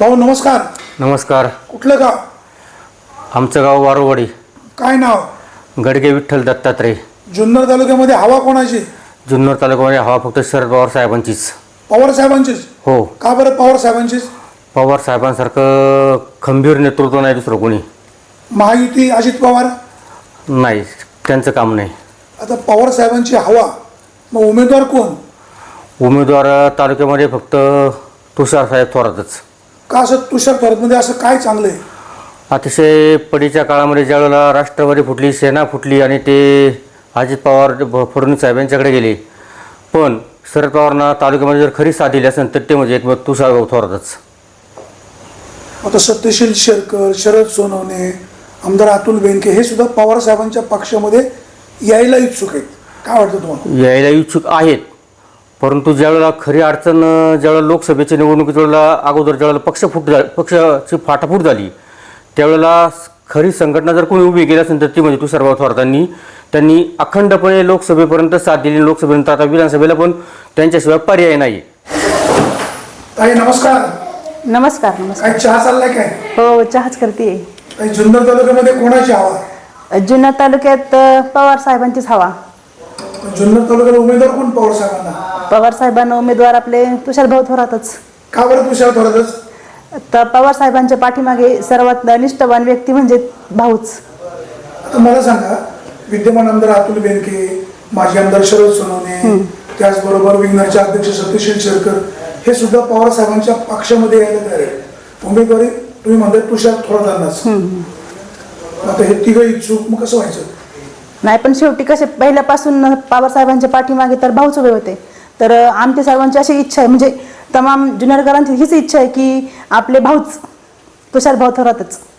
भाऊ नमस्कार. नमस्कार. कुठलं गाव? आमचं गाव वारोवाडी. काय नाव? गडगे विठ्ठल दत्तात्रय. जुन्नर तालुक्यामध्ये हवा कोणाची? जुन्नर तालुक्यामध्ये हवा फक्त शरद पवार साहेबांचीच. पवार साहेबांचीच? हो. का बरं पवार साहेबांचीच? पवार साहेबांसारखं खंबीर नेतृत्व नाही दुसरं कोणी. महायुती अजित पवार? नाही, त्यांचं काम नाही. आता पवार साहेबांची हवा, मग उमेदवार कोण? उमेदवार तालुक्यामध्ये फक्त तुषार साहेब थोरातच. का असं तुषार थोरातमध्ये असं काय चांगलं आहे? अतिशय पडीच्या काळामध्ये ज्यावेळेला राष्ट्रवादी फुटली, सेना फुटली आणि ते अजित पवार फडणवीस साहेबांच्याकडे गेले, पण शरद पवारांना तालुक्यामध्ये जर खरी साथ दिली असेल तर ते म्हणजे एक तुषार थोरातच. आता सत्यशील शेरकर, शरद सोनवणे, आमदार अतुल बेनके हे सुद्धा पवार साहेबांच्या पक्षामध्ये यायला इच्छुक आहेत. काय वाटतं तुम्हाला? यायला इच्छुक आहेत, परंतु ज्यावेळेला खरी अडचण, ज्यावेळेला लोकसभेच्या निवडणुकीच्या वेळेला अगोदर ज्यावेळेला पक्षाची फाटाफूट झाली, त्यावेळेला खरी संघटना जर कोणी उभी केली असेल तर ती म्हणजे तुषारभाऊ थोरातांनी. त्यांनी अखंडपणे लोकसभेपर्यंत साथ दिली, लोकसभेनंतर आता विधानसभेला पण त्यांच्याशिवाय पर्याय नाही. ताई नमस्कार. नमस्कार. नमस्कार. काय चहा चाललाय काय? हो, चहाच करते. जुन्नर तालुक्यामध्ये कोणाची हवा? जुन्नर तालुक्यात पवार साहेबांचीच हवा. जुन्नर तालुक्यात उमेदवार कोण पवार साहेबांना? पवार साहेबांना उमेदवार आपले तुषारभाऊ थोरातच. का बरं तुषार थोरातच? तर पवार साहेबांच्या पाठीमागे सर्वात निष्ठावान व्यक्ती म्हणजे भाऊच. आता मला सांगा, विद्यमान आमदार अतुल बेनके, माजी आमदार शरद सोनवणे, त्याचबरोबर विंगनरचे अध्यक्ष सत्यशील शेरकर हे सुद्धा पवार साहेबांच्या पक्षामध्ये यायला तयार आहे. उमेदवारी तुम्ही म्हणताय तुषार थोरातांनाच. आता हे तिघं इच्छुक, मग कसं व्हायचं? नाही, पण शेवटी कसे पहिल्यापासून पवार साहेबांच्या पाठीमागे तर भाऊच उभे होते. तर आमच्या सर्वांची अशी इच्छा आहे, म्हणजे तमाम जुन्नरकरांची हीच इच्छा आहे की आपले भाऊच तुषारभाऊ थोरातच.